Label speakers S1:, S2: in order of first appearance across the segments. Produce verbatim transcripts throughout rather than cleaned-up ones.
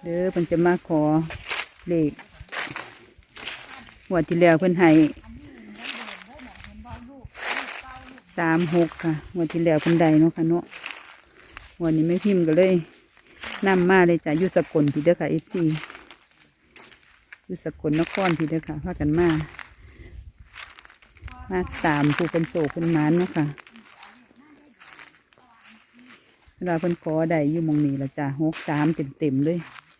S1: เด้อเพิ่นจะมาขอเลขงวดที่แล้วเพิ่นให้สามหกค่ะงวดที่แล้วเพิ่นได้เนาะค่ะเนาะงวดนี้ไม่พิมพ์ก็เลยนำมาเลยจ้ะอยู่สกลพี่เด้อค่ะเอฟซีอยู่สกลนครพี่เด้อค่ะพากันมามาตามผู้เป็นโศกเป็นหมานเนาะค่ะเวลาเพิ่นขอได้อยู่หมองนี้ละจ้ะหกสามเต็มเต็มเลย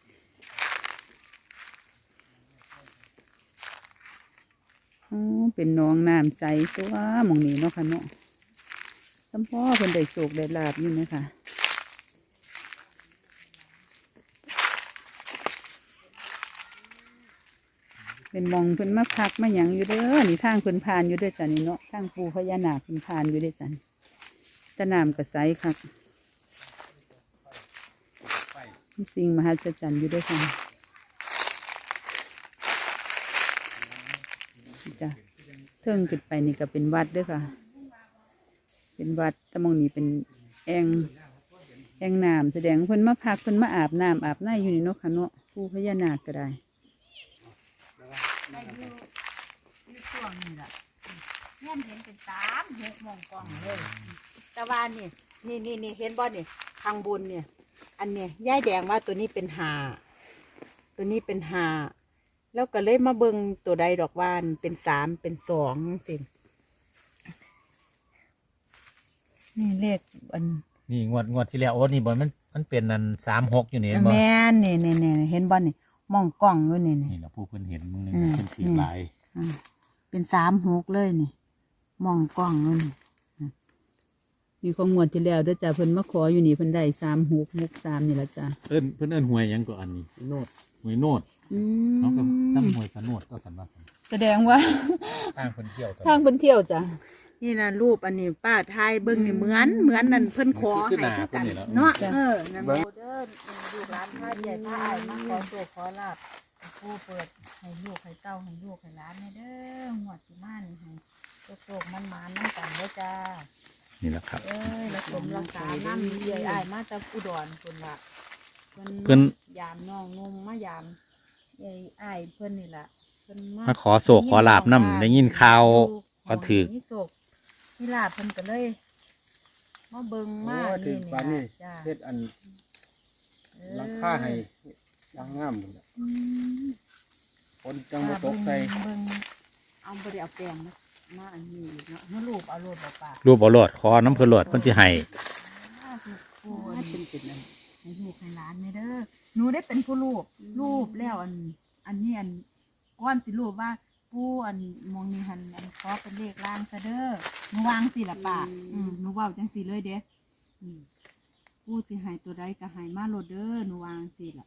S1: อ๋อเป็นน้องน้ำใสตัวหมองนี้เนาะค่ะเนาะสมพ่อเพิ่นได้โศกได้ลาบอยู่นะคะเป็นมองเพิ่นมาพักมาหยังอยู่เด้อนี่ทางเพิ่นผ่านอยู่เด้อจ้ะนี่เนาะทางปูพญานาคเพิ่นผ่านอยู่เด้อจ้ะตะน้ำกระใสครับมีสิ่งมหัศจรรย์อยู่เด้อค่ะจ้ะเทิงขึ้นไปนี่ก็เป็นวัดเด้อค่ะเป็นวัดแต่มองนี่เป็นแองแองน้ำแสดงเพิ่นมาพักเพิ่นมาอาบน้ำอาบน้ำอยู่นี่เนาะค่ะเนาะปูพญานาคก็ได้
S2: ได้อยู่อยู่ช่วงนี้ล่ะแม่นเห็นเป็นสามหกโมงกล้องเลยแต่ว่านี่นี่นี่นี่เห็นบ่นี่ข้างบนเนี่ยอันเนี้ยย่ายแดงว่าตัวนี้เป็นหาตัวนี้เป็นหาแล้วก็เลยมาเบิ่งตัวใดดอกวานเป็นสามเป็นสองสินี่เลขอัน
S3: นี่งวดงวดที่แล้วโอ้นี่บอลมันมันเป็นอันสามหกอยู่นี่เห็นบ่
S2: แม่นนี่นี่นี่เห็นบ่นี่มองกล้องอยู่นี่นี่
S3: นี่เราผู้เพิ่นเห็นมึงนี่
S2: อืม
S3: เพิ่นถือหลาย
S2: อ่าเป็นสามหกเลยนี่มองกล้องอยู่นี่
S1: มีของงวดที่แล้วเด้อจ้ะเพิ่นมาขออยู่นี่เพิ่นได้สามหกหกสามนี่ละจ้ะ
S3: เอิ้นเพิ่นเอิ้นหวยหยังก็อันนี้โนดหวยโนด
S1: อื
S3: เขาก็
S1: ม
S3: ซ้ำหวยสนดก็กันว่า
S1: แสดงว่า
S3: ทางเพิ่นเที่ยวกัน
S1: ทางเพิ่นเที่ยวจ้ะ
S2: นี่นะรูปอันนี้ป้าไทยเบิ้งนี่เหมือนเหมือนนั่นเพิ่นขอให้คือกันเนาะเออนั่นโมเดิร์นลูกหลานพาใหญ่พาอายมาขอโชคขอลาบผู้เปิดให้ลูกให้เต้าให้ลูกให้หลานให้เด้อหวดที่มานี่ให้โชคมันมาน้ำกันเด้อจ้า
S3: นี่แหละครับ
S2: เอ้ยแล้วสมรักษาน้ำใหญ่อายมาจากอุดรคนละ
S3: เพิ่น
S2: ยามน้องงมมายามใหญ่อายเพิ่นนี่ล่ะเพิ่น
S3: มาขอโศกขอลาบนำได้ยินข่าวว่าถือ
S2: นี่โศกนี่ลาบเพิ่นก็เลยมาเบิ่งมา
S4: โอ้ถึ
S2: นี่
S4: ง
S2: นี่
S4: ปานนี้
S2: ล่ะจ้า
S4: เฮ็ดอันหลังคาให้ยังงามหมดละ
S2: อืม
S4: คนจังบ่ตกใจ
S2: เบิ่งเอาบ่ได้เอาแป้งนะมาอันนี้อีกเนาะเฮารูปเอารูปเอาปาก
S3: รูปเอาโลดขอน้ำเพิ่นโลดเพิ่นสิให้
S2: โอ้ยเป็นเป็นอันให้ลูกให้หลานนี่เด้อหนูได้เป็นผู้รูปรูปแล้วอัน อันนี้อันก้อนสิรูปว่าผู้อันมองนี่หันอันขอเป็นเลขล่างซะเด้อหนูวางสิล่ะป้าอืมหนูเว้าจังสิเลยเด้อืมผู้สิให้ตัวใดก็ให้มาโลดเด้อหนูวางสิล่ะ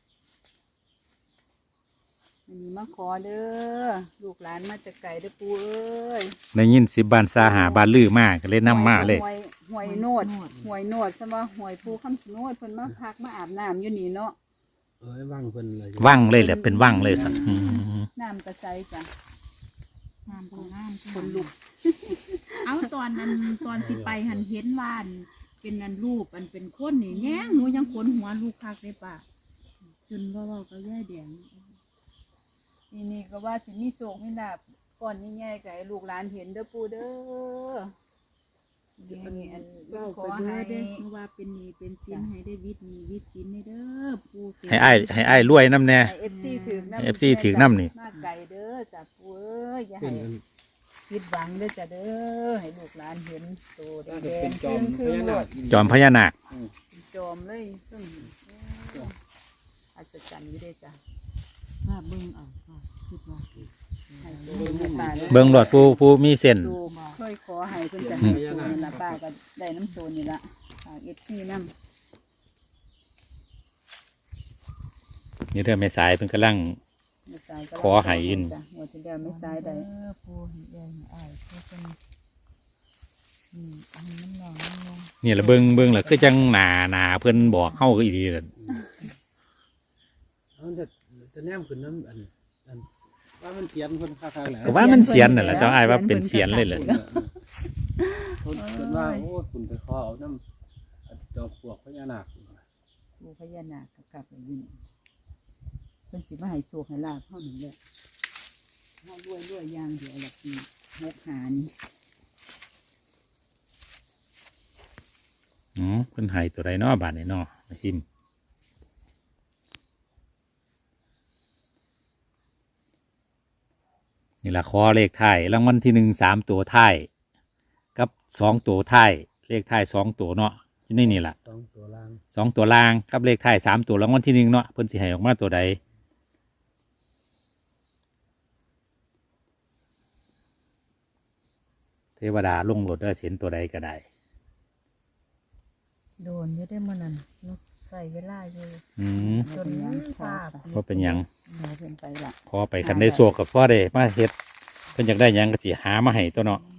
S1: อันนี้มาขอเด้อลูกหลานมาจากไกลเด้อปู่เอ้ย
S3: ได้ยินสิบ้านซาหาบ้านลือมากก็เลยนำมาเลย
S1: หวยหวยโนดหวยโนดใช่ไหมหวยปู่คำชะโนดเพิ่นมาพักมาอาบน้ำอยู่นี่เนาะ
S4: เอ้ยว่างเพิ่นเลย
S3: ว่างเลยแหละเป็นว่างเลยสัตว์อืม
S1: น้ำกระใสจ้ะ
S2: งามของงาม
S1: คนลุก
S2: เอาตอนนั้นตอนสิไปหันเห็นว่าอันเป็นนันรูปอันเป็นคนนี่แง่งหนูยังขนหัวลูกคักได้ป่ะจนว่าเว่าก็แย่แดง
S1: นี่นี่ก็ว่าสิมีโศกมีลาบก่อนนี่แง่กับลูกหลานเห็นเด้อปู่เด้อ
S2: แย่
S1: อันนี้อัน
S2: เว้า
S1: ขอ
S2: ไป
S1: ให้
S2: เด้อเด้อเพราะว่าเป็นหนี้เป็นสินให้ได้วิทย์หนี้วิทย์สินให้เด้อปู่เป็น
S3: ให้อ้ายให้อ้ายรวยน้ำแน่
S1: ให้เอฟซีถือน้ำ
S3: ให้ เอฟ ซี ถือน้ำนี่
S1: มาไก่เด้อจ้ะปู่เอ้ยอย่า
S4: เป็
S1: ให้
S4: น
S1: ผิดหวังเด้อจ้ะเด้อให้ลูกหลานเห็นโตแด
S4: น่าจะ
S1: ง
S4: เป็น
S1: ๆ
S4: จอม
S1: คื
S4: พ
S1: อ
S4: ญา
S1: โล
S4: นาค
S1: ด
S3: จอมพญานาค
S1: เป็นจอมเลยซึ่งอัศจรรย์อยู่เด้อจ้ะ
S2: ค่ะเบิ่งเอาค่ะคิดว่า
S1: ให้โตให้ป้า
S3: เบิ่งโลดผู้ผู้มีเส้น
S1: ดูเคยขอให้เพิ่นจะให้โตนี่ละป้าก็ได้น้ำโตนี่ละฝากเอฟซีน้ำ
S3: นี่เด้อแม่สายเพิ่นกำลัง
S1: ไม่สายก็
S3: ขอให้ยิน
S1: จ้ะหัวที่แล้วไม่สายได้
S2: เด้อปู่ให้แย่ให้อ้ายเพื่อเป็นอืมอันนี้มันแหน่งมันแหน่ง
S3: นี่ละเบิ่งเบิ่งละคือจังหนาหนาเพิ่นบอกเฮาก็อีดีล่ะ
S4: เอาจะจะแนมขึ้นน้ำอันอันว่ามันเสียนเพิ่นค่าๆแหละ
S3: ก็ว่ามันเสียนนั่นแหละเจ้าอ้ายว่าเป็นเสียนเลยแหละ
S4: เพิ่นเพิ่นว่าโอ้คุณไปขอเอาน้ำอันดอกพวกพญานาค
S1: ดูพญานาคกับกับอยู่นี่เพิ่นสิมาให้โชคให้ลาภเฮานั่นแหละเฮารวยรวยอย่างเดียวละปีหกหานี่
S3: อ๋อเพิ่นให้ตัวใดเนาะบาทนี่เนาะแม่พิมพ์นี่ละขอเลขท้ายรางวัลที่หนึ่งสามตัวท้ายกับสองตัวท้ายเลขท้ายสองตัวเนาะอยู่ในนี่ล่ะ
S4: ต้องตัวล่าง
S3: สองตัวล่างกับเลขท้ายสามตัวรางวัลที่หนึ่งเนาะเพิ่นสิให้ออกมาตัวใดเทวดาลงรถได้เห็นตัวใดก็ได้
S2: โดนอยู่ได้มื้อนั้นใส่เวลาอยู่
S3: อืม
S2: จนภาพ
S3: เพราะเป็นหยัง
S1: เดี๋ยวเพิ่นไปละ
S3: พอไปคันได้โศกกับพ่อได้มาเฮ็ดเพิ่นอยากได้หยังก็สิหามาให้ตัวเนาะ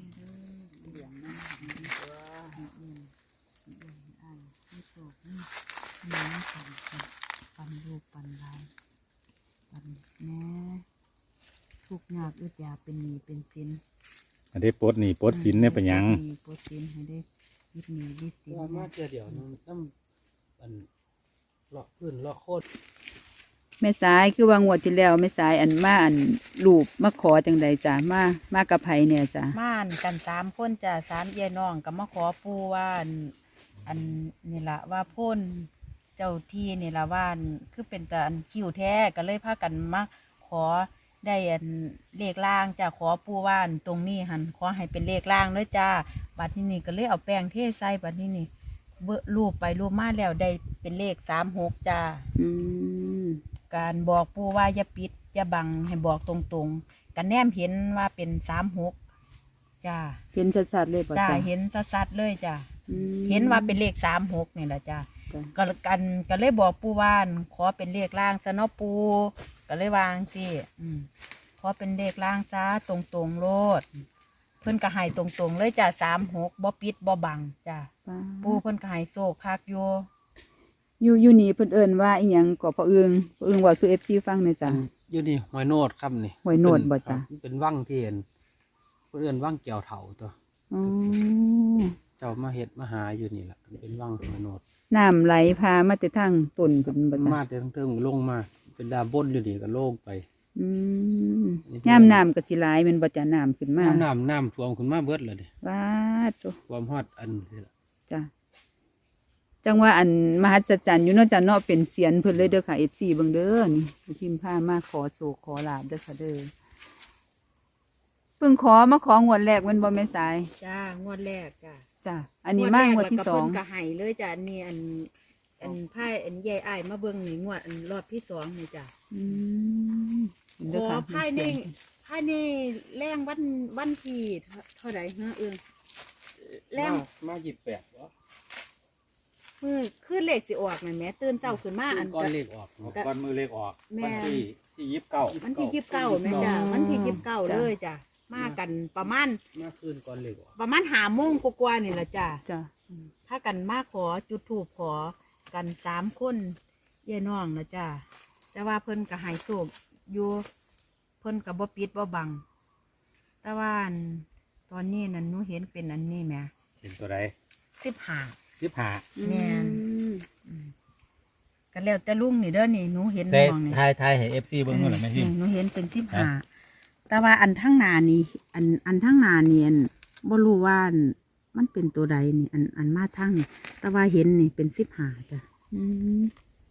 S2: ปันลูกปันหลานปันแม่ทุกข์ยากอึดอยากเป็นหนี้เป็นสิน
S3: อันนี้ปลดหนี่ปลดสินเนี่ยเป็นหยัง
S2: มีโปรตีนให้ได้ยึดหนียึดสิน
S4: ว่ามาเจอเดี๋ยวน้ำน้ำอันเลาะพื้นเลาะโคตร
S1: แม่สายคือว่างวดที่แล้วแม่สายอันมาอันรูปมาขอจังใดจ้ะมามากับไผเนี่ยจ้ะ
S2: ม่านกันสามคนจ้ะสามเยน้องก็มาขอปูว่าอันอันนี่ละว่าพ่นเจ้าที่นี่ละว่าอันคือเป็นแต่อันคิวแท้ก็เลยพากันมาขอได้อันเลขล่างจ้ะขอปูว่าอันตรงนี้หันขอให้เป็นเลขล่างเลยจ้าบัดที่นี่ก็เลยเอาแป้งเทใส่บัดที่นี่เบิ่งรูปไปรูปมาแล้วได้เป็นเลขสามหกจ้า
S1: อืม
S2: การบอกปูว่าอย่าปิดอย่าบังให้บอกตรงๆกันแนมเห็นว่าเป็นสามหกจ้า
S1: เห็นชัดๆเลยป่ะ
S2: จ้า
S1: จ้ะ
S2: เห็นชัดๆเลยจ้า
S1: อืม
S2: เห็นว่าเป็นเลขสามหกนี่แหละจ้า
S1: จ้ะ
S2: ก็กันก็เลยบอกปูว่านขอเป็นเลขล่างซะเนาะปูก็เลยวางสิอืมขอเป็นเลขล่างซะตรงๆโลดเพิ่นก็ให้ตรงๆเลยจ้าสามหกบ่ปิดบ่บังจ้า
S1: ป้า
S2: ปูเพิ่นก็ให้โซกคักอยู่
S1: อยู่อยู่นี่เพิ่นเอิ้นว่าอีหยังก็พ่อเอิงพ่อเอิงเว่าสู่ เอฟ ซี ฟังหน่อยจ้ะ
S4: อยู่นี่หอยโนดครับนี่
S1: หอยโนดบ่จ๊ะ
S4: ครับเป็นว่างที่เห็นเพื่อนว่างเกี่ยวเถาตัว
S1: อ๋อ
S4: เจ้ามาเห็ดมาหาอยู่นี่แหละเป็นว่างหอยโนด
S1: น้ำไหลพามาแต่ทางต้นเพิ่นบ่จ้ะ
S4: มาแต่ทั้งเทิงลงมา เป็นดาบนอยู่นี่ก็โล่งไป
S1: อืมยามน้ำก็สิหลายแม่นบ่จ้ะน้ำขึ้นมา
S4: น้ำน้ำน้ำท่วมขึ้นมาเบิดเลยเด้
S1: ว้าดโต
S4: ความฮอดอันนี่ล่ะ
S1: จ้ะจังว่าอันมหัศจรรย์อยู่เนาะจ้ะเนาะเป็นเสียนเพิ่นเลยเด้อค่ะ เอฟ ซี เบิ่งเด้อนี่พิมพ์พามาขอโศกขอลาบเด้อค่ะเด้อเพิ่งขอมาของวดแรกแมันบ่แม่สาย
S2: จ้างวดแรกจ้า
S1: จ้ะอันนี้มางวดที่สอง
S2: เพิ่นก็ให้เลยจ้ะอันนี้อันอันไพ่อันใหญ่อ้ายมาเบิ่งนี่งวดอันรอบที่สองนี่จ้ะ
S1: อืมเห็น
S2: ข
S1: เด้อ
S2: อ
S1: ค่ะ
S2: ไพ่ในไพ่ในแรงวันวันที่เท่าไหร่ฮะเอิงแรง
S4: มามาหยิบแปดวะ
S2: มือขึ้นเลขสิออกนั่นแหม่ตื่นเช้าขึ้นมาอัน
S4: ก้อน
S2: ก็
S4: เลขออก
S3: ก้อนมือเลขออก
S2: แม่
S3: วันที่ที่ยิบเก้า
S2: มันที่ยิบเก้าแม่จ้ะมันที่ยิบเก้าเลยจ้ะมากันประมาณ
S4: มาคืนก้อนเลขออก
S2: ประมาณหาโมงกว่าๆนี่แหละจ้ะ
S1: จ้ะ
S2: ถ้ากันมาขอจุดถูกขอกันสามคนเย่น้องนะจ้ะแต่ว่าเพิ่นก็ให้สูบอยู่เพิ่นก็บ่ปิดบ่บัง แต่ว่าอันตอนนี้นั่นหนูเห็นเป็นอันนี้แหม่
S3: เห็นตัวใด
S2: สิบห้า
S3: สิบห้า
S2: แม่น
S1: อืม
S2: กันแล้วแต่ลุงนี่เด้อนี่หนูเห็น
S3: แต่
S2: มองนี่
S3: ทายทายให้เอฟซีเบิ่งหน่อยแม่พิมพ์
S2: หนูเห็นเป็นสิบห้าแต่ว่าอันทั้งหนานี่อันอันทั้งหนานี่อันบ่รู้ว่าอันมันเป็นตัวใดนี่อันอันมาทั้งนี่แต่ว่าเห็นนี่เป็นสิบห้าจ้ะ
S1: อืม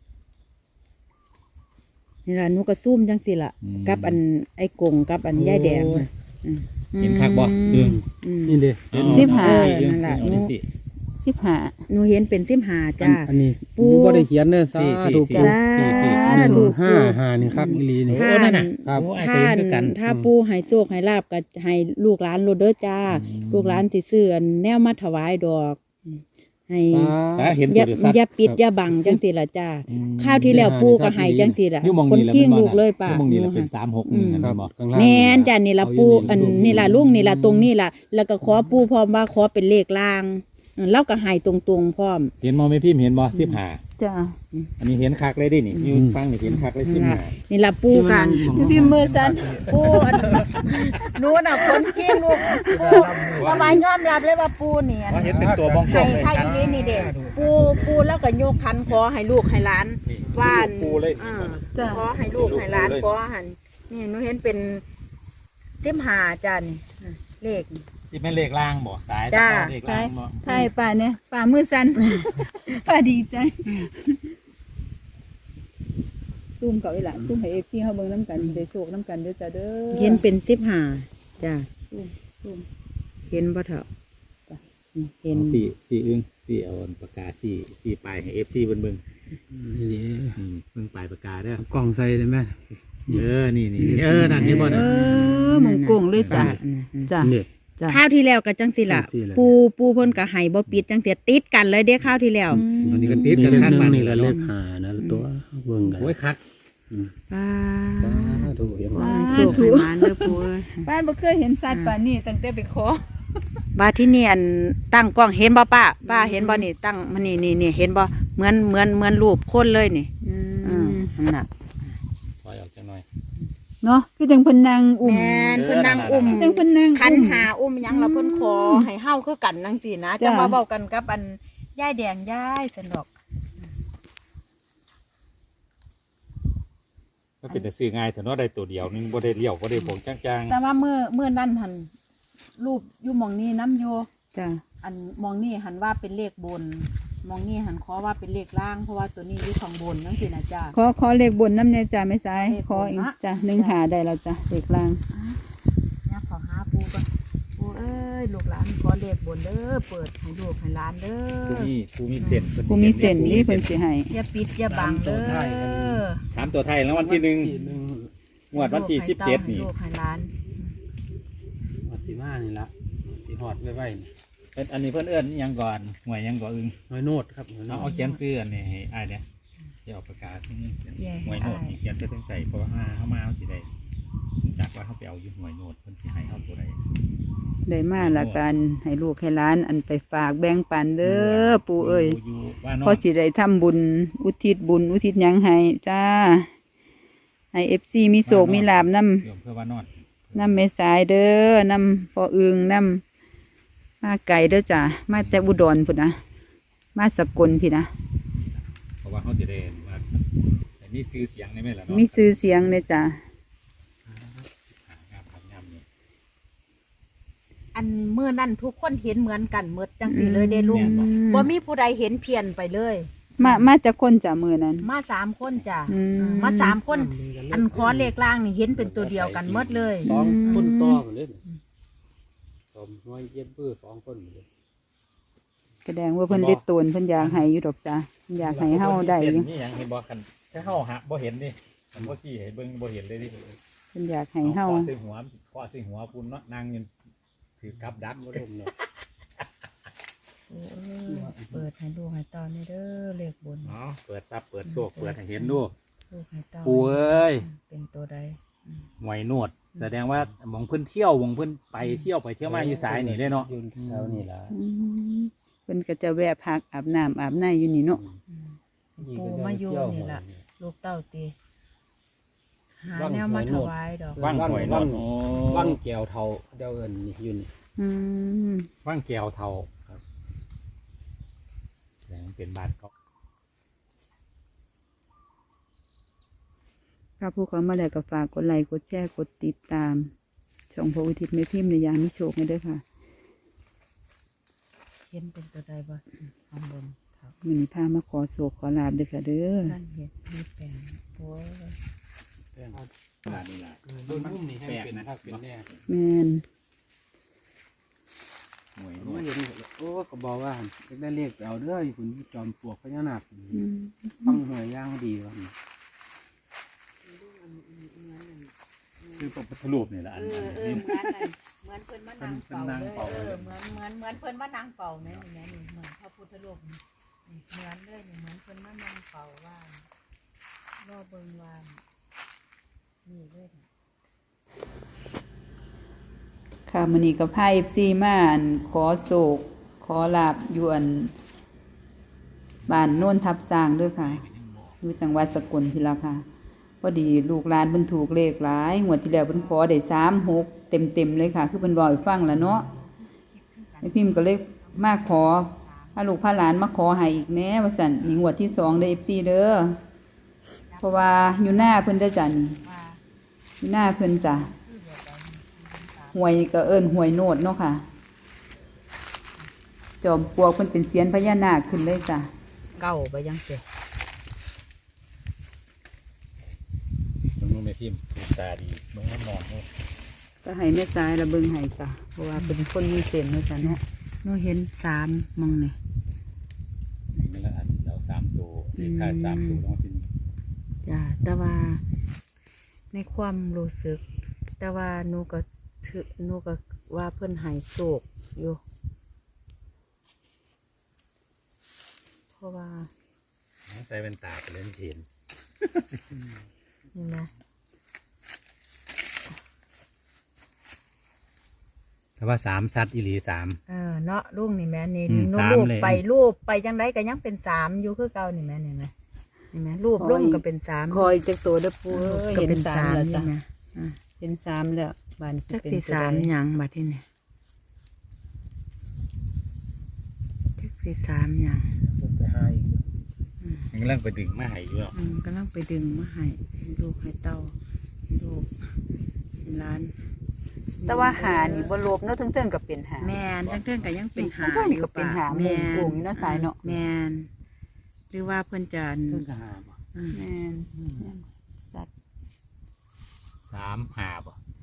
S2: นี่ล่ะหนูก็ซุ่มจังสิล่ะ กับอันไอ้กงกับอันยายแดงน่ะอืม
S3: เห็นคักบ่เอิง
S2: อืม
S4: นี่เด้
S3: เอ
S1: สิบห้า
S2: เออนั่นล่ะ
S3: เอาดิสิ
S1: สิบห้า
S2: หนูเห็นเป็นสิบห้า
S4: อัน
S2: จ้า
S4: อันนี้
S2: ปู
S4: ปูก็ได้เขียนเด้อสา
S3: สี่สี่
S4: ธุ
S3: สี่
S4: ปู
S3: สี่สี่
S4: หนึ่ง
S2: ถูก
S4: ห้าห้านี่คักอีหลีนี่
S3: โอ้นั่นน่ะ
S4: ครับ
S3: โอ้ไอ้
S2: ถ้า
S3: เต็มคือกัน
S2: ถ้าปูให้โชคให้ลาบก็ให้ลูกหลานโลดเด้อจ้า
S3: อืม
S2: ลูกหลานสิซื้ออันแนวมาถวายดอก ให้
S3: ตาเห็น
S2: อ
S3: ตั
S2: ย่าว
S3: เดือดซัด
S2: อย่าปิดอย่าบังจังสิล่ะจ้า
S3: อืม
S2: ข้าวที่แล้วปูก็ให้จังสิล่ะ
S3: อยู่หมอง
S2: คน
S3: นี้แหละ
S2: ขี้
S3: แม่นบ่
S2: ลูกเลยป่ะ
S3: อยู่หมองนี้แหละเป็นสามหกหนึ่ง
S2: อืม
S3: นะ
S4: ค
S3: ค
S4: รั
S3: รั
S4: บบ
S3: บอก
S4: ข้างล่าง
S2: แม่นจ้านี่ล่ะปูอันนี่ล่ะลุงนี่ล่ะตรงนี้ล่ะ แล้วก็ขอปูพร้อมว่าขอเป็นเลขล่างเออเราก็ให้ตรงๆพร้อม
S3: เห็นมองไม่พิมพ์เห็นบ่สิบห้า
S1: จ้า
S3: อันนี้เห็นคักเลยดินี่อยู่ฟังนี่เห็นคักเลยสิบห้า
S2: นี่ละปูกัน
S1: พี่มือสัน
S2: ปูอันนู้นน่ะคนจริงลูกปูทำไมยอมรับเลยว่าปูเนี่ย
S3: เพราะเห็นเป็นตัวบ้องกล
S2: ให้
S3: มเลย
S2: ให้อีนี่นี่เด็กปูปูแล้วก็โยกคันขอให้ลูกให้หลานว่าน
S3: ปูเลย
S2: อ่าขอให้ลูกให้หลานขอหันนี่หนูเห็นเป็นเต็มหาจ้านี่เลข
S3: สิเป็นเลขล่างบ่สาย
S2: จ้า
S3: เลขล่างบ่
S1: ไทยป่าเนี่ยป่ามือสัน ป่าดีใจซุ่มเก่าอีหละซุ่มให้เอฟซีเขาเบิ่งน้ำกันได้โศกน้ำกันเด้อจ้าเด้อ
S2: เห็นเป็นสิบหาจ้า
S1: ซุ่มซุ่ม
S2: เห็นบ่เถอะเห็น
S3: สี่สี่อึ้งสี่เอาปากกาสี่สี่ปลายให้เอฟซีเบิ่งเบิ่ง
S4: นี่
S3: อืมเบิ่งปลายปากกาเด้อก
S4: ล้องใส่ได้ไหม
S3: เออนี่นี่เออนั่นนี่บ่
S1: เอ
S3: น่ะ
S1: อหมองโกงเลยจ้าจ้า
S4: นี่
S1: จ้า
S2: ข้าวที่แล้วก็จังสิล่ะ
S4: จังสิล่ะ
S2: ปูปูเพิ่นก็ให้บ่ปิดจังเสียติดกันเลยเด้ข้าวที่แล้ว
S3: อันนี้ก็ติด
S4: นี่
S3: กัน
S4: เลข
S3: ข้าง
S4: หนึ่
S3: บ้าง น
S4: นี่
S3: นี่
S4: ก็
S3: ละ
S4: เล
S3: เล
S4: ขหานะเตัวเบิ่งกัน
S3: โอ้ยคัก
S2: ป้า
S4: ดูเห็นไหม
S2: สุขให้หมานเด้อปูเอ้ย
S1: ป้านบ่เคยเห็นสัตว์ป่านี่ตั้งแต่ไปขอ
S2: บาที่นี่อันตั้งกล้องเห็นบ่ป้าป้าเห็นบ่นี่ตั้งมันนี่นี่นี่เห็นบ่เหมือนเหมือนเหมือนรูปคนเลยนี่
S1: อื
S2: อืม
S1: ม
S2: นั่นน่ะ
S3: ถอยออกจังหน่อย
S1: เนาะคือจังเพิ่นนางอุ้ม
S2: แม่นเพิ่นนั่งอุ้ม
S1: จังเพิ่นนาง
S2: คัน
S1: อุ้ม
S2: หาอุ้มหยังเราเพิ่นขอให้เฮาคือกันจังซี่นะ
S1: จ้ะ
S2: จังมาเว้ากันกับอันยายแดงยายสนอก
S3: ก็เป็นแต่ซื้อง่ายแต่เนาะได้ตัวเดียวนึงบ่ได้เลี้ยวบ่ได้ผงจาง
S2: แต่ว่าเมื่อเมื่อนั้นหันรูปอยู่หมองนี้น้ำโย
S1: จ้า
S2: อันมองนี่หันว่าเป็นเลขบน มองนี่หันขอว่าเป็นเลขล่างเพราะว่าตัวนี้อยู่ข้างบนจังซี่นะจ้า
S1: ขอขอเลขบนน้ำเนี่ยจ้าไม่สาย
S2: เลขบน
S1: ขออีก
S2: นะ
S1: จ้าหนึ่งหาได้แล้วจ้าเลขล่าง
S2: เนี่ยขอหาปูก่อนปูเอ้ยลูกหลานขอเลขบนเด้อเปิดให้ลูกให้หลานเด้
S3: ๆผู้
S2: อ
S3: มีผู้มีเส้นพิ่
S1: ผู้มีเส้นนี่เพิ่นสิให้
S2: อย่าปิดอย่าบังเด้อ
S3: ถามตัวไทยแล้ววันที่หนึ่ง
S4: ที่หนึ่ง
S3: งวดวันที่สิบเจ็ดนี่
S2: ให้ลูกให้หลาน
S4: วัดที่มานี่ละที่หอดไว้ไว้นี่
S3: เอิ้นอันนี้เพิ่นเอื้อนอิหยังก่อนหวยหยังก่อนอึง
S4: น้อยโนดครับน้อยโน
S3: เอา
S4: ด
S3: เอาเขียนซื้ออันนี้ให้อ้ายเนี่ยเดี๋ยวเอาประกาศที่นี่หวยโนดนี่เขียนใส่ตั้งใจเพราะว่าเฮามาเฮาสิได้รู้จากว่าเฮาไปเอาอยู่หวยโนดเพิ่นสิให้เฮาตัวใด
S1: ได้มาละกันให้ลูกให้หลานอันไปฝากแบ่งปันเด้อปู่เอ้ย
S3: อยู่บ้านน
S1: พอสิได้ทำบุญอุทิศบุญอุทิศหยังให้จ้าให้เอฟซีมีโศกมีลาบนำ
S3: โยมเพื่อว่านอน
S1: นำเมสายเด้อนำปออึงนำมาไก่เด้อจ้ามาแต่อุดรพุ่นนะมาสกลพี่นะ
S3: เพราะว่าเฮาสิได้ว่าแต่มีชื่อเสียงได้ไหมล่ะเนาะ
S1: มีชื่อเสียงเลยจ้า
S3: งามครับงามนี่
S2: อันเมื่อนั่นทุกคนเห็นเหมือนกันหมดจังสีเลยเด้ลุง
S1: อืม
S2: บ่มีผู้ใดเห็นเพี้ยนไปเลย
S1: มามาจากคนจ้ามือนั้น
S2: มาสามคนจ้ะ
S1: อืม
S2: มาสามคน อันคอเลขล่างนี่เห็นเป็นตัวเดียวกันหมดเลย
S4: สองคนต่อกันเลยสองน้อยเย็นเพื่อสองคนหมดเลย
S1: แสดงว่าเพิ่นได้ตนเพิ่นอยากให้อยู่ดอกจ้าเพิ่นอยากให้เฮาได้อยู่
S3: นี่หยังเห็นบ่คันถ้าเฮาหาบ่เห็นนี่มันบ่ซี่ให้เบิ่งบ่เห็นเลยดิ
S1: เพิ่นอยากให้เฮา
S3: ขอใส่หัวขอใส่หัวปุ่นเนาะนางยืนถือกับดัก
S4: บ่
S3: บ่
S4: ได้
S3: ได้
S4: เนาะ
S2: เออเปิดให้ดูให้ตอนนี้เด้อเลขบน
S3: เนาะเปิดซับเปิดโซกเปิดให้เห็นดู
S2: ลูกให้ตอน
S3: ปูเอ้ย
S2: เป็นตัวใด
S3: หวยนวด แสดงว่าหมองเพิ่นเที่ยวหมองเพิ่นไปเที่ยวไปเที่ยวมาอยู่สายนี่เลยเนาะ
S4: ยืนแถวนี่ละ
S1: อืมเพิ่นก็จะแวะพักอาบน้ำอาบในอยู่นี่เนาะ
S2: ปูมาอยู่นี่ล่ะลูกเต้าตีหาแนวมาถวายดอก
S3: ว่างหวยนวดโอ้
S4: ว่างแก้วเทาเดียวเอินนี่อยู่นี่
S1: อืม
S3: ว่างแก้วเทาครับแสดงว่าเป็นบ้านเขา
S1: ถ้าผู้เขามาแล้วก็ฝากกดไลค์กดแชร์กดติดตาม ช่องพระอุทิศแม่พิมพ์ในยามมิโชคให้เด้อค่ะ
S2: เห็นเป็นตัวใดบ่ข้างบนครับ
S1: มื้อนี้พามาขอโศกขอลาบเด้อค่ะเด้อ
S2: นั่นเห็นมีแปลงโอ้ย
S3: ขนาดนี้ล่ะ
S4: โดนมุ่มนี่ให้เป็นภาคเป็นแน่
S1: แม่น
S3: หวยน
S4: โอ้
S3: วด
S4: ยเห็นโอ้ก็บอกว่าได้เลขไปเอาเด้ออยู่คุณจอมปลวกพญานาค
S1: อืม
S4: ฟังหวยย่างดีวะ
S3: คือพระพุทธรูปนี่แหละอัน
S2: เอ
S3: อัน
S2: อเออ
S3: นี้
S2: เหมือนนั่นเหมือนเพิ่นมานั่งเป่า
S3: เพิ่นนั่ง
S2: เลย
S3: เป่า
S2: เอ
S3: เลย
S2: อเหมือนเหมือนเหมือนเพิ่นมานั่งเป่าแม่นี่แม่นี่เหมือนพระพุทธรูปนี่นี่เหมือนเลยนี่เหมือนเพิ่นมานั่งเป่าว่านรอเบิ่งว่านนี่เลยค่ะ
S1: ค่ะมื้อนี้ก็พา เอฟ ซี มาอันขอโศกขอลาบอยู่อันบ้านโน่นทับสร้างเด้อค่ะอยู่จังหวัดสกลพี่ละค่ะพอดีลูกหลานเพิ่นถูกเลขหลายงวดที่แล้วเพิ่นขอได้สามหกเต็มๆเลยค่ะ คือเพิ่นบอกให้ฟังแล้วเนาะแม่พิมพ์ก็เลยมาขอพาลูกพาหลานมาขอให้อีกแน่ว่าซั่นนี่งวดที่สองเด้อ เอฟ ซี เด้อเพราะว่าอยู่หน้าเพิ่นเด้อจ้ะนี่อยู่หน้าเพิ่นจ้ะหวยก็เอิ้นหวยโนดเนาะค่ะจอมปลวกเพิ่นเป็นเสียนพญานาคขึ้นเลยจ้ะ
S2: เก้าไปยังเสีย
S3: มึงรู้ไหมพิมพ์ถูกตาดีมึงก็นอนเลย
S1: ก็ให้แม่ตายระเบิงให้จ้ะเพราะว่าเป็นคนมีเส้นเนาะจ้ะเนาะ
S2: หนูเห็นสามมองนี่
S3: นี่ไม่ละอันเราสามตัวเลขค่าสามตัวต้องที่
S2: จ้าแต่ว่าในความรู้สึก แต่ว่าหนูก็ถือหนูก็ว่าเพิ่นใหายโศกอยู่เพราะว่า
S3: ใส่เป็นตาไปเล่นเสียน
S2: นี่นะ
S3: แต่ว่าสามสัตว์อีหลีสาม
S2: เออเนาะลูกนี่แม่นี่
S3: อืม
S2: หนู
S3: สาม
S2: รูป
S3: เลย
S2: ไปรูปไปจังไดก็ยังเป็นสามอยู่คือเก่านี่แม่นี่แม่นี่แม่รูปลงก็เป็นสาม
S1: คอยจักตัวเด้อปูเอ้ย
S2: ก็
S1: เห็น
S2: เป็น
S1: สา
S2: สาม ม
S1: แล้ว
S2: ใช่
S1: จ้ะ
S2: ไหม
S1: เห็นสามแล้วบ้าน
S2: จัก
S1: เป็น
S2: สี่
S1: ตัว
S2: สาม
S1: ใด
S2: หยังบัดที่นี่จักสี่สามหยัง
S4: เพิ่นไปหาอีกอยู่
S3: ยังเริ่มไปดึงมาให้อยู่หรอก
S2: อืมกำลังไปดึงมาให้ลูกให้เต้าลูกให้หล้าน
S1: แต่ว่าหานี่บ่ลบเนาะถึงๆก็เป็นหา
S2: แมนทั้งเรื่องก็ยังเป็นหา
S1: ทั้งๆนี่ก็เป็นหา
S2: แมน
S1: โป่งๆอยู่เนาะสายเนาะ
S2: แมนหรือว่าเพิ่นจะ
S4: เพิ่นก็หาบ่
S2: อืม
S1: แม่นสัตว์
S3: สามหาบ่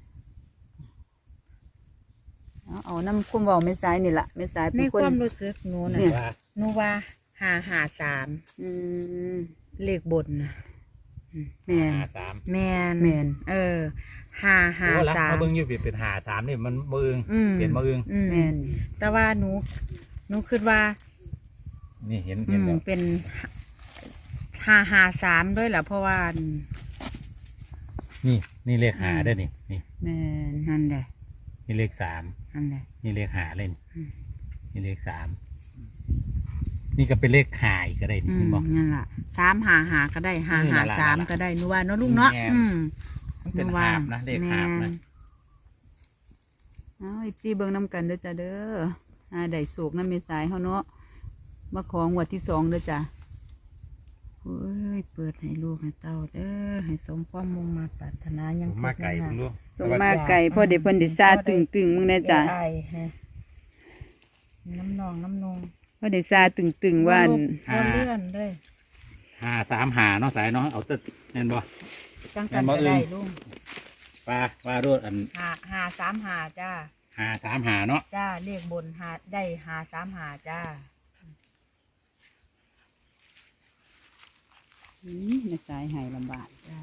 S1: เอาเอาน้ำคุ้มเว้าแม่สายนี่ล่ะแม่สาย
S2: ใน
S1: เป็นค
S2: คน วามรู้สึกหนูน่ะ
S1: เนี่ย
S3: ว่า
S2: หนูว่าหาหาสาม
S1: อืม
S2: เลขบนนะ
S1: แม่น
S3: หาสาม
S2: แมน
S1: แม่น
S2: เออหาหา
S3: โอ้ละ
S2: สาม
S3: เขาเบิ่งอยู่เปลี่ยนเป็นหาสามนี่มันมือ
S2: อืม
S3: เปลี่ยนมาอึง
S2: อืม
S1: แม่น
S2: แต่ว่าหนูหนูคิดว่า
S3: นี่เห็น
S2: อื
S3: เห็น
S2: ม
S3: แล้ว
S2: เป็นหาหาสามด้วยแหละเพราะว่า
S3: นี่นี่เลขหาได้อนี่นี่
S1: แม่น
S2: นั่นแหละ
S3: นี่เลขสาม
S2: นั่นแหละ
S3: นี่เลขหาเลยนี่
S2: อืม
S3: นี่เลขสามนี่ก็เป็นเลขหาอีกก็ได้นี่
S2: อืม
S3: เห็นบอก
S2: นั่นแหละสามหาหาก็ได้หา
S3: เออ
S2: หา
S3: นั่นล่ะ
S2: สาม
S3: นั่นล่ะ
S2: ก็ได้หนูว่าเนาะลูกเนาะ
S3: แม่น
S2: อืม
S3: มันเป็น
S2: หว่า
S3: หาบนะเลขหาบนะ
S2: แม่
S1: เอาอีซี่เบิ่งน้ำกันเด้อจ้ะเด้ออาได้โศกน้ำเมสายเฮาเนาะมาของวดที่สองเด้อจ้ะ
S2: โอ้ยเปิดให้ลูกให้เต้าเด้อให้สมความมุ่งมาปรารถนายัง
S3: ผมมาไก่
S2: ครบ
S3: เพิ่งรู้
S1: ส่งมาไก่พ่อเด็กเพิ่นได้ซาตึงตึงๆมึงแน่จ้ะ
S2: ได้ฮะน้ำนองน้ำนอง
S1: พ่อได้ซาตึงตึงๆว่าอั่น
S2: บ่เลื่อนเลย
S3: หาสามหาเนาะสายเนาะเอาแตึ๊ดแน่นบ่
S2: จังกัน
S3: แม่นบ่
S2: ก็ได้
S3: เอิ้น
S2: ลุง
S3: ปลาปลารดอัน
S2: หาหาสามหาจ้า
S3: หาสามหาเนาะ
S2: จ้าเลขบนหาได้หาสามหาจ้า
S1: อืมเมสายใหายลำบาก
S2: จ้า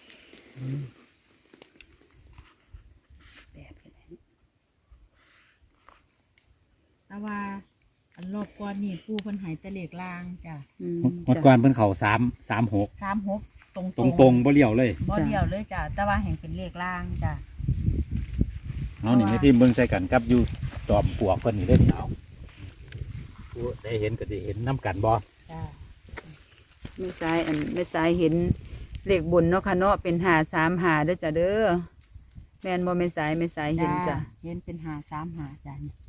S1: แปดก็ได้
S2: แต่ว่าอันรอบก่อนนี่ผู้เพิ่นใหายแต่เลขล่างจ้า
S1: อืม
S3: หมดก่อนเพิ่นเข่าสามสามหก
S2: สามหกตรง
S3: ตรงตรงๆบ่เลี้ยวเลย
S2: บ่เดียวเลยจ้าแต่ว่าแห่งเป็นเลขล่างจ้า
S3: เอานี่ให้พี่เบิ่งใส่กันกับอยู่จอมปลวกเพิ่นนี่ได้อเอาผู้ได้เห็นก็จะเห็นน้ำกันบ่
S2: จ้า
S1: เมสายอันเมสายเห็นเลขบนเนาะค่ะเนาะเป็นหาสามหาเด้อจ้ะเด้อแม่นบ่เมสายเมสายเห็นจ้ะ
S2: เห็นเป็นหาสามหาจ้านี่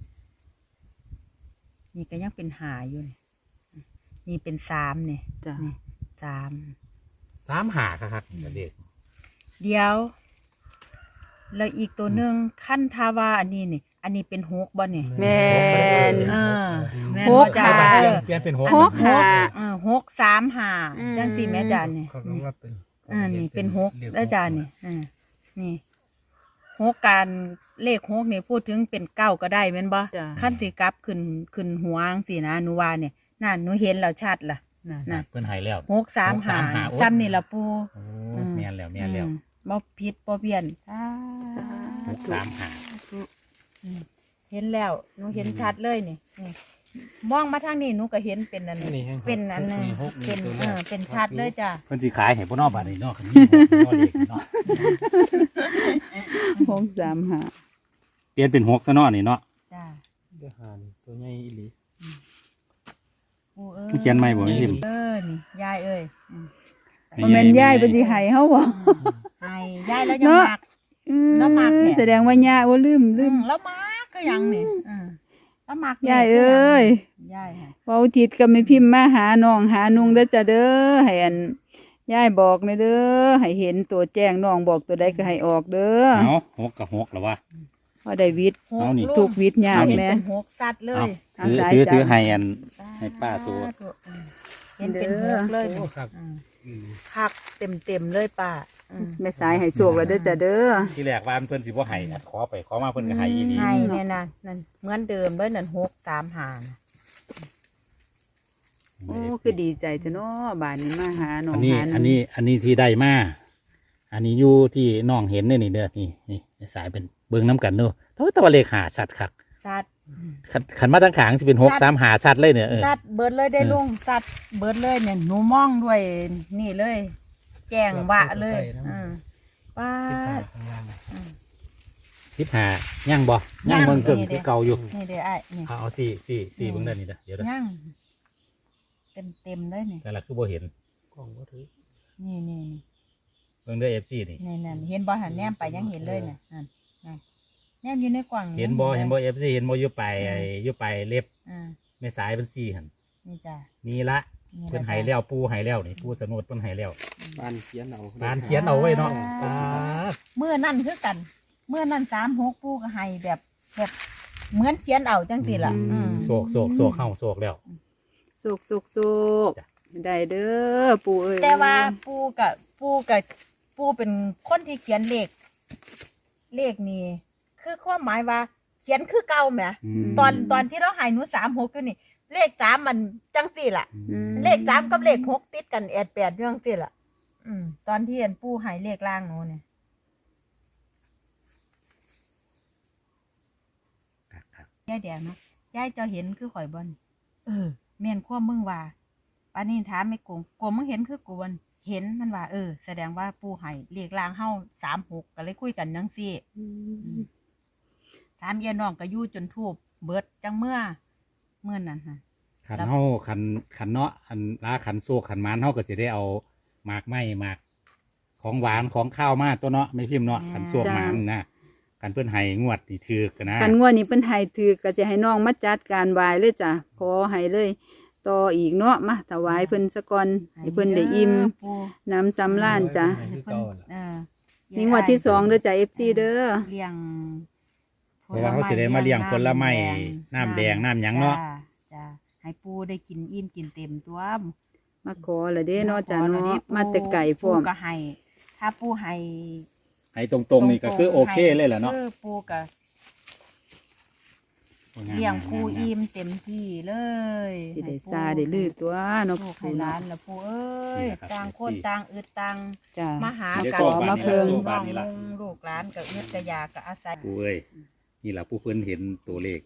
S2: นี่ก็ยังเป็นหาอยู่นี่นี่เป็นสามเนี่ย
S1: จ้ะ
S2: นี่สาม
S3: สามหาครับเด็ก
S2: เดี๋ยวแล้วอีกตัวหนึ่งขั้นทาวาอันนี้นี่ อันนี้เป็นหกบ่เนี่ย
S1: แม่น
S2: เออแม่น
S1: ห
S2: บ่
S1: ก
S2: จ้า
S1: หา
S2: เออ
S3: เปลี่ยนเป็นหก
S1: หกหา
S2: เออหกสามหา
S1: อืม
S2: จังสีแม่จานนี่
S4: เขาก็ว่าเป็น
S2: อ่านี่เป็นหกแล้วจานนี่อ่านี่หกการเลขหกนี่พูดถึงเป็นเก้าก็ได้แม่นบ่
S1: จ้ะ
S2: ขั้นสิกลับขึ้นขึ้นหัวจังสินะหนูว่าเนี่ยนั่นหนูเห็นแล้วชัดล่ะ
S1: น่ะ
S2: น่ะ
S3: เพิ่นใหายแล้ว
S2: หกสามหา
S3: หกสามหาโอ้
S2: ซ้ำนี่ละปู
S3: โอ้
S2: อืม
S3: แม่นแล้วแม่นแล้ว
S2: อืมบ่ผิดบ่เพี้ยนอ่า
S3: หกสามหา
S2: อืมเห็นแล้วหนูเห็นชัดเลยนี่นี่มองมาทางนี้หนูก็เห็นเป็นอันนี้เป็นอันนึงเป็นเออเป็นชัดเลยจ้ะ
S3: เพิ่นสิขายให้พ่อนอกบาดนี้เนาะคันนี้พ่อเด็กเนาะ
S1: หกสามหา
S3: เปลี่ยนเป็นหกซะเนาะนี่เนาะ
S2: จ้ะ
S4: เดี๋ยวหานี่ตัวใหญ่อีหลี
S2: ปูเอ้
S3: เขียนไม่บ่ไม่พิมพ์
S2: เออนี่ยายเอ้ยอืม
S1: บ่แม่นยายเพิ่นสิให้เฮาบ่
S2: ให้ยายแล้วยัง
S1: เนาะ
S2: มัก
S1: อืม
S2: แล้วมักแหละ
S1: แสดงว่าย่าบ่ลืมลื
S2: อื
S1: ม
S2: มแล้วมักก็ยังนี่อืมแล้วมัก
S1: ยายเอ้ย
S2: ยายค่ะ
S1: เว้าทิศก็ไม่พิมพ์มาหาน้องหานุงเด้อจ้ะเด้อให้อันยายบอกแม่เด้อให้เห็นตัวแจ้งน้องบอกตัวใดก็ให้ออกเด้อ
S3: เอาหกกับหกแล้ววะ
S1: พอได้วิทย์
S2: หก
S3: เอานี่
S2: ลู
S1: ทุกวิทย์ยาก
S2: เห็น
S1: แม่
S2: เป็นหกสัตว์เลย
S1: เอา
S3: ถือ
S1: สาย
S3: ถือ
S1: จ้ะ
S3: ถือให้อัน ให้ป้าตัว
S2: อืมเห็นเป็นหกเลย
S4: โอ้ครับ
S2: อืม
S4: อืม
S2: คักเต็มเต็มๆเลยป้าอืม
S1: แม่สายให้โชคแล้วเด้อจ้ะเด้อ
S3: ที่แรกว่าเพิ่นสิบ่ให้นะขอไปขอมาเพิ่นก็ให้อีหลี
S2: ให้เนี่ยนะนั่นเหมือนเดิมเลยนั่นหกสามหานะ
S1: โอ้คือดีใจจ้ะเนาะบ้านนี้มาหาน้อง
S3: อันนี้
S1: หานุง
S3: อันนี้อันนี้ที่ได้มาอันนี้อยู่ที่น้องเห็นเนี่ยนี่เด้อนี่นี่สายเป็นเบิ่งน้ำกันเด้อแต่ว่าแตัวาเลขหาสัตว์คัก
S2: สัตว์
S3: ขันขันมาตั้งขางสิเป็นหกสามหาสัตว์เลยเนี่ยเออ
S2: สัตว์เบิดเลยได้
S3: เออ
S2: ลุงสัตว์เบิดเลยเนี่ยหนูมองด้วยนี่เลย แจ้งวะเลยอืมป้า
S4: สิบห้า
S2: ด
S4: ข้างล่าง
S2: อืม
S3: สิบหาย่างบ่ย่างเมืองเกิงคือเก่าอยู่
S2: นี่เด้อไอ้นี่
S3: เอาเอาสี่สี่สี่เบิ่งได้นี่เด้อเดี๋ยวเด้อ
S2: ย่างเต็มเต็มๆเลยนี่
S3: แต่ละคือบ่เห็น
S4: กล้องบ่ถือ
S2: นี่นี่นี่
S3: เบิ่งเด้อเอฟซีนี่
S2: นี่นั่นเห็นบอหันแนมไปยังเห็นเลยเนี่ยนั่นนั่นแนมอยู่ในกล่อง
S3: เห็นบ่
S2: ยัง
S3: เห็นบ่เอฟซีเห็นบ่อยู่ไปไอ้อยู่ไปเล็บ
S2: อ่า
S3: แม่สายเป็นสี่หัน
S2: นี่จ้ะ
S3: นี่ละ
S2: นี่
S3: เพิ่น
S2: ละ
S3: ใหายแล้วปูใหายแล้วนี่ปูสนุดเพิ่นใหายแล้ว
S4: บ้านเขียนเอา
S3: บ้านเขียนเอาไว้เนาะ
S2: อ่า เมื่อนั่นคือกัน เมื่อนั่นสามหกปูก็ให้แบบแบบเหมือนเขียนเอาจังสิล่ะอืม
S3: โศกโศกโศกเฮาโศกแล้ว
S1: สุกสุกสุกได้เด้อปู่เอ้ย
S2: แต่ว่าปูกับปูกับปูเป็นคนที่เขียนเลข เลขนี่คือความหมายว่า เขียนคือเก่าแหม ตอนตอนที่เราใหายหนูสามหกอยู่นี่ เลขสามมันจังสี่ล่ะ
S1: อืม
S2: เลขสามกับเลขหกติดกันแอดแปดอยู่จังสี่ล่ะ อืม ตอนที่เห็นปูใหายเลขล่างหนูเนี่ย
S3: ครับ
S2: ยายแดงนะยายเจะเห็นคือข่อยบอนเออแม่นความมึงว่าปานนี้ถามไม่โกงโกงมึงเห็นคือกูบอนเห็นมันว่า เออ แสดงว่าปูใหายเลขล่างเฮาสามหกก็เลยคุยกันจังสี่ ถามยายน้องก็อยู่จนทูบเบิดจังเมื่อเมื่อนั้นฮะ
S3: ขันเฮาขันขันเนาะอันลาขันโซกขันหมานเฮาก็สิได้เอาหมากไม้หมากของหวานของข้าวมาตัวเนาะไม่พิมพ์เนาะขันโซกหมานนะขันเพิ่นให้งวดนี่ถือกันนะ
S1: คันงวดนี้เพิ่นให้ถือก็จะให้น้องมาจัดการไหว้เลยจ้ะขอให้เลยต่ออีกเนาะมาถวายเพิ่นซะก่อนให้เพิ่นได้อิ่ม
S2: ปู
S1: น้ำสำราญจ้ะ
S2: ให้เพิ่นเออ
S1: นี่งวดที่สองเด้อจ้ะ เอฟ ซี เด้อ
S2: เลี้ยง
S3: เพราะว่าเขาสิได้มาเลี้ยงผลไม้น้ำแดงน้ำหยังเนาะ
S2: จ้จ้ะให้ปูได้กินอิ่มกินเต็มตัว
S1: มาขอละเด้เนาะจ้ะ
S2: ขอแล้ว
S1: เนาะ
S2: นี่
S1: มาแต่ไก่พร้อม
S2: ปูก็ให้ ถ้าปูให้
S3: ให้ตรงๆนี่ก็คือโอเคเลยแหละเนาะ
S2: ออปูก็เลี้ยงปูอิ่มเต็มที่เลย
S1: สิได้ซาได้ลือตัวเนาะ
S2: ลูกให้ร้านแล้วปูเอ้ยต่างคนต่างอึดต่าง
S1: จ้ะ
S2: มาหา
S3: เดี๋ยว
S2: กัน
S3: โซ่
S1: ขอ
S3: บา
S1: มา
S3: ท
S1: เพิ่
S3: นี่
S1: ง
S3: ละโซ่
S2: น้
S3: บา
S2: อ
S3: ท
S2: ง
S3: นี่ละ
S2: ลุงลูกร้านก็อึดกระยากก็อาศัย
S3: ปูเอ้ยนี่แหละผู้เพิ่นเห็นตัวเลข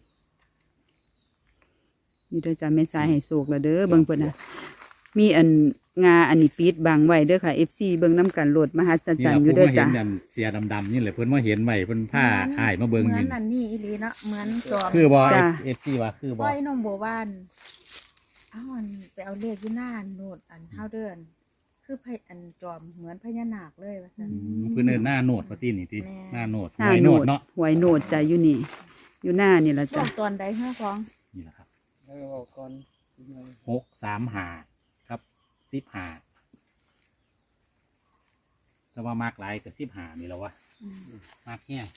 S1: นี่เด้อจ้ะแม่สายให้โศกละเด้อเบิ่งเพิ่นน่ะมีอันงาอันนี้ปิดบังไว้เด้อค่ะ เอฟ ซี เบิ่งน้ำกันโหลดมหัศจรรย์อยู่
S3: นี่
S1: เด้อ
S3: ล่ะ
S1: จ้ะ
S3: ผู้มาเห็นอันเสียดำๆนี่แหละเพิ่นมาเห็นไว้เพิ่นผ้าอ้ายมาเบิ่ง
S2: เหมือ
S3: นี่
S2: นอันนี้อีหลีเนาะเหมือนจอม
S3: คือบ่
S1: จ้ะ
S3: เอฟซีว่าคือบ่
S2: ไว้นมโบวานเอาอันไปเอาเลขอยู่หน้าโนดอันเท่าเดิน คือพอันจอมเหมือนพญานาคเลยว่าซั่น
S3: อืมเพิ่นเอิ้นหน้าโนดว่าตินี่ติ
S2: แม่
S3: หน้าโนด
S1: หน้า
S3: หวย
S1: โห
S3: โน
S1: น
S3: ด
S1: ด
S3: เนาะ
S1: หวยโหนดจ้ะอยู่นี่ อยู่หน้านี่ละ
S2: ช่ว
S1: จ้ะ
S2: งตอนใดเฮือของ
S3: นี่แหละครับ
S4: แล้วเอาก่อน
S3: หกสามห้าครับสิบห้าแต่ว่ามากหลายก็สิบห้านี่แหล้ววะมากแห้ง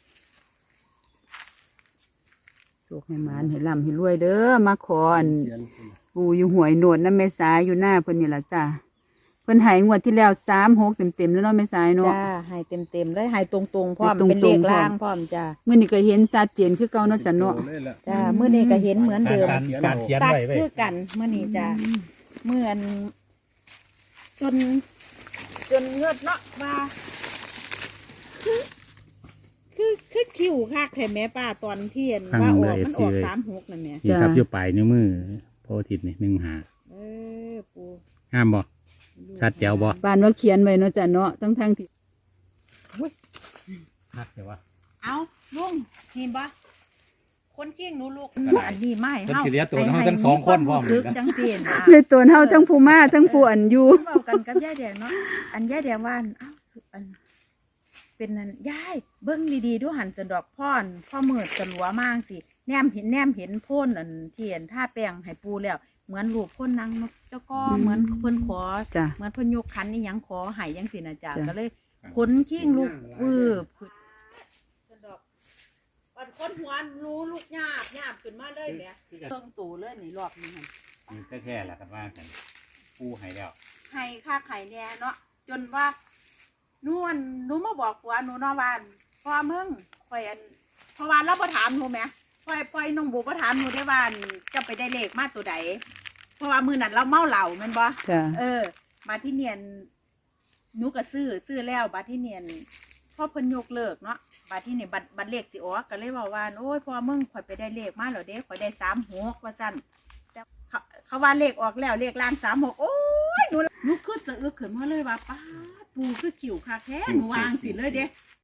S1: โศกให้หมานให้ร่ำให้รวยเด้อมาขออัน
S4: เขียน
S1: ปูอยู่หวยโหนดน้ำแม่สายอยู่หน้าเพิ่นนี่ละจ้ะเพิ่นใหายงวดที่แล้วสามหกเต็มเต็มๆแล้วเนาะแม่สายเนาะ
S2: จ้าให้เต็มๆเลยให้ตรงๆพร้อม
S1: ให้ตรงๆ
S2: เป็นเลขล่างพร้อมจ้า
S1: มื่อนี้ก็เห็นชัดเจนคือเก่าเนาะจ้ะเนาะ
S4: เลยล่ะ
S2: จ้ามื้อนี้ก็เห็นเหมือนเดิม
S3: การการเขียน
S2: ตัด
S3: ไว้ไว้
S2: คือกันมื้อนี้จ้าเหมือนจน จนเงือดเนาะว่าคือคือคือคิวคักแท้แม่ป้าตอนเที่ยนว่าออกมันออกสามหกนั่นแหละ
S3: นี่ครับอยู่ปลายนิ้วมือโพธิ์อาทิตย์นี่หนึ่งหา
S2: เออปู
S3: ห้ามบ่ชัดแจ๋วบ่
S1: บ้านว่าเขียนไว้เนาะจ้ะเนาะทั้งทั้งๆที่
S3: นักแต่ว่า
S2: เอาลุงเห็นปะคคนเชี่ยงหนูลูก
S3: ก็ได้
S2: อันนี้ไม่
S3: เพิ่น
S2: เฮา
S3: สิเลี้ยงตัวเฮาทั้งสองคนพร้อม
S2: คึ
S3: นี่
S2: ก
S3: นะ
S2: จังซี่นะ
S1: เลยตัวเฮาทั้งผู้มาทั้งผู้อันอยู่
S2: เว้ากันกับยายแดงเนาะอันยายแดงว่าอันอ้าวอันเป็นนั่นยายเบิ่งดีๆดูหันสะดอกพ่อนพ่อมืดสลัวมากสิแนมเห็นแนมเห็นโพ่นอันที่เห็นท่าแป้งให้ปูแล้วเหมือนรูปโพ่นนางนกเจ้าก็
S1: อืม
S2: เหมือนเพิ่นขอ
S1: จ้ะ
S2: เหมือนเพิ่นยกขันนี่หยังขอให้จังซี่นะจ๊ะ
S1: จ้ะ
S2: ก็เลยขนขิ้งลูกวืบสะดอกวันคนหัวรู้ลูกหยาบหยาบขึ้นมาเลยแหมเบิ่งตูเลยนี่รอบนี้หั่น
S3: นี่แท้ๆแหละกันว่ากันปูให้แล้ว
S2: ให้ค่าไข่แน่เนาะจนว่าหนูอันหนูมาบอกผัวหนูเนาะว่าอั่นพ่อมึงข่อยอันเพราะว่าเราบ่ถามหนูแหมปล่อยปล่อยน้องบูบ่ถามหนูได้ว่าอั่นจะไปได้เลขมาตัวใดเพราะว่ามื้อนั้นเราเมาเหล้าแม่นบ่
S1: จ้ะ
S2: เออ มาที่เนียนหนูก็ซื้อซื้อแล้วบัดที่เนียนพ่อเพิ่นยกเลิกเนาะบัดที่นี่บัดบัดเลขสิออกก็เลยบอกว่าโอ้ยพ่อมึงข่อยไปได้เลขมาแล้วเด้ข่อยได้สามหกว่าซั่นแต่เขาเขาว่าเลขออกแล้วเลขล่างสามหกโอ้ยหนูหนูคือสะอึกขึ้นมาเลยว่าป้าดปูคือขิวคักแท้หนูวางสิเลยเด้